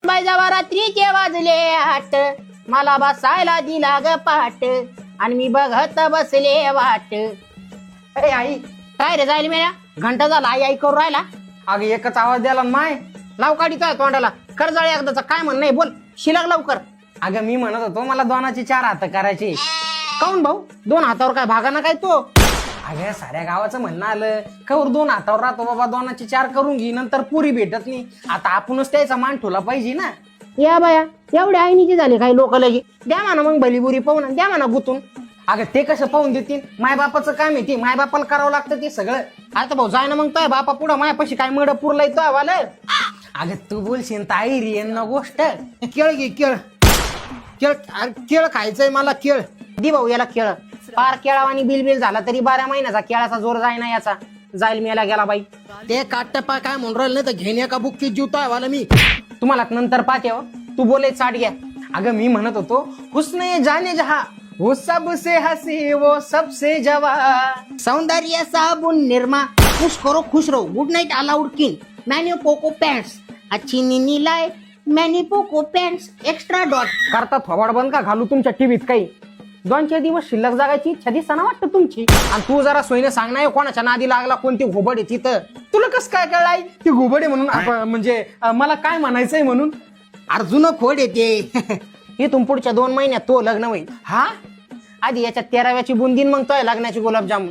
जेव्हा रात्रीचे वाजले 8 मला बसायला दिला ग पाट आणि मी बघत बसले वाट. अरे आई काय रे जायला मेल्या घंटा झाला आई आई करू राहिला. अगं एकच आवाज द्याला माय. लाव काढीतोय तोंडाला कर्जाळी एकदाचा काय म्हण नाही बोल शिलाग लवकर. अगं मी म्हणत होतो मला 2चे 4 हात करायचे. काऊन भाऊ 2 हातावर काय भागाना काय तो. अगं साऱ्या गावाचं म्हणणं आलं कवर 2 हातावर राहतो बाबा 2चे 4 करून घे नंतर पुरी भेटत नाही. आता आपणच त्याचा मान ठेवला पाहिजे ना. या बाया एवढे आईनीचे झाले काही लोक लगे द्या म्हणा मग भलीबुरी पाहून द्या म्हणा गुतून. अगं ते कसं पाहून देतील मायबापाचं काम आहे ते मायबापाला करावं लागतं ते सगळं. आता भाऊ जाय ना मग तो बापा पुढं मायापाशी काय मड पुरलाय तो वाल. अगं तू बोलशील ताई रे ना गोष्ट. केळ घे केळ केळ केळ खायचंय मला केळ दि भाऊ याला केळ. पार केळावानी बिल झाला तरी 12 महिन्याचा केळाचा जोर जाय ना याचा. जाईल मेला गेला बाई. ते काटपा काय म्हणून राहिलं नाही तर घेण्या का बुक्की जीवतोय वाला मी. तुम्हाला नंतर पाहते हो. तू बोले चाट घ्या. अगं मी म्हणत होतो हुस्ने जाने जहा वो सबसे हसी वो सबसे जवा. सौंदर्य साबुन निर्मा खुश करो खुश रहो गुड नाइट अलाउड किंग मैन्यू पोको पैंट्स अच्छी नीनी लाए मैन्यू पोको पैंट्स एक्स्ट्रा डॉट. करता थोबाड बंद का घालू तुमच्या टीव्हीत काही. 2-4 दिवस शिल्लक जागायची इच्छा दिसताना वाटतं तुमची. आणि तू जरा सोयीने सांग नाही कोणाच्या नादी लागला कोणती घोबड आहे तिथं. तुला कसं काय कळलाय ती घुबडे म्हणून म्हणजे मला काय म्हणायचंय म्हणून. अर्जुन खोड येते. इथून पुढच्या 2 महिन्यात तो लग्न होईल. हा आधी याच्या 13व्याची बुंदीन मग तो लग्नाची गुलाबजामुन.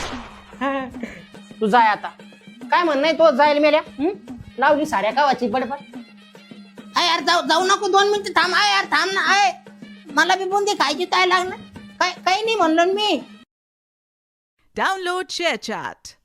तू जाय आता काय म्हण नाही तो जाईल मेल्या. लावली साऱ्या गावाची बडबड. अय यार जाऊ नको 2 मिनिटं थांब. आय यार थांब ना. आय मला बी बुंदी खायची काय लागणार. काही नाही म्हणलो मी. Download ShareChat.